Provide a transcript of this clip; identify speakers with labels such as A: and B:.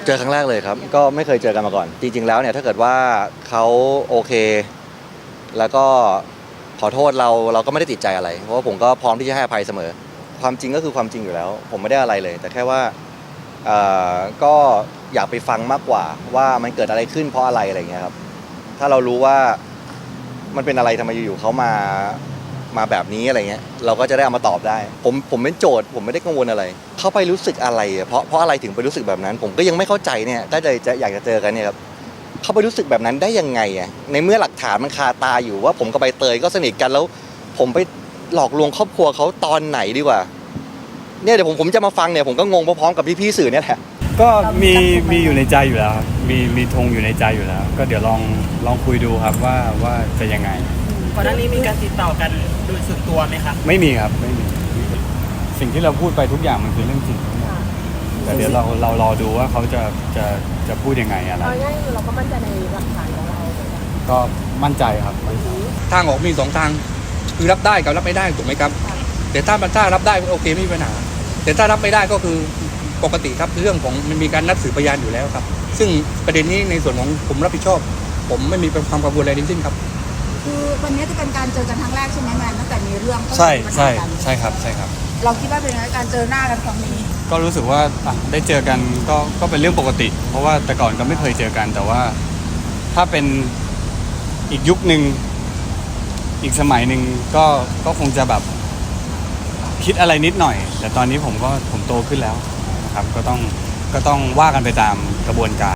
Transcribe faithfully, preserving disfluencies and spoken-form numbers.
A: เจอครั้งแรกเลยครับก็ไม่เคยเจอกันมาก่อนจริงๆแล้วเนี่ยถ้าเกิดว่าเขาโอเคแล้วก็ขอโทษเราเราก็ไม่ได้ติดใจอะไรเพราะว่าผมก็พร้อมที่จะให้อภัยเสมอความจริงก็คือความจริงอยู่แล้วผมไม่ได้อะไรเลย แต่แค่ว่าเอ่อก็อยากไปฟังมากกว่าว่ามันเกิดอะไรขึ้นเพราะอะไรอะไรเงี้ยครับถ้าเรารู้ว่ามันเป็นอะไรทำไมอยู่ๆเขามามาแบบนี้อะไรเงี้ยเราก็จะได้เอามาตอบได้ผมผมเป็นโจทย์ผมไม่ได้กังวลอะไรเขาไปรู้สึกอะไรเพราะเพราะอะไรถึงไปรู้สึกแบบนั้นผมก็ยังไม่เข้าใจเนี่ยก็จะจะอยากจะเจอกันเนี่ยครับเขาไปรู้สึกแบบนั้นได้ยังไงอ่ะในเมื่อหลักฐานมันคาตาอยู่ว่าผมกับใบเตยก็สนิทกันแล้วผมไปหลอกลวงครอบครัวเขาตอนไหนดีกว่าเนี่ยเดี๋ยวผมผมจะมาฟังเนี่ยผมก็งงพร้อมๆกับพี่ๆสื่อเนี่ยแหละ
B: ก็มีมีอยู่ในใจอยู่แล้วครับมีมีธงอยู่ในใจอยู่แล้วก็เดี๋ยวลองลองคุยดูครับว่าว่าจะยังไง
C: ก่อนหน้านี้มีการติดต่อกันโดยส่วนตัวไหมครับ
B: ไม่มีครับไม่มีสิ่งที่เราพูดไปทุกอย่างมันคือเรื่องจริงแต่เดี๋ยวเราเรารอดูว่าเขาจะจะจะพูดยังไงอะไร
D: เอาง่ายๆเราก็มั่นใจในหลักฐานของเรา
B: ก็มั่นใจครับ
E: ทางออกมีสองทางคือรับได้กับรับไม่ได้ถูกไหมครับแต่ถ้ามันถ้ารับได้โอเคไม่มีปัญหาแต่ถ้ารับไม่ได้ก็คือปกติครับเรื่องของมันมีการนัดสืบพยานอยู่แล้วครับซึ่งประเด็นนี้ในส่วนของผมรับผิดชอบ ผมไม่มีความกังวลอะไรทั้งสิ้นครับ
D: คือวันนี้จะเป็นการเจอกันครั้งแรกใช่ไหมแมนตั้งแต่มีเรื่อง
B: ใช่ใช่ใช่ครับใช่ครับ
D: เราคิดว่าเป็นไงการเจอหน้ากันครั้งนี้
B: ก็รู้สึกว่าได้เจอกันก็ก็เป็นเรื่องปกติเพราะว่าแต่ก่อนก็ไม่เคยเจอกันแต่ว่าถ้าเป็นอีกยุคนึงอีกสมัยหนึ่งก็ก็คงจะแบบคิดอะไรนิดหน่อยแต่ตอนนี้ผมก็ผมโตขึ้นแล้วนะครับก็ต้องก็ต้องว่ากันไปตามกระบวนการ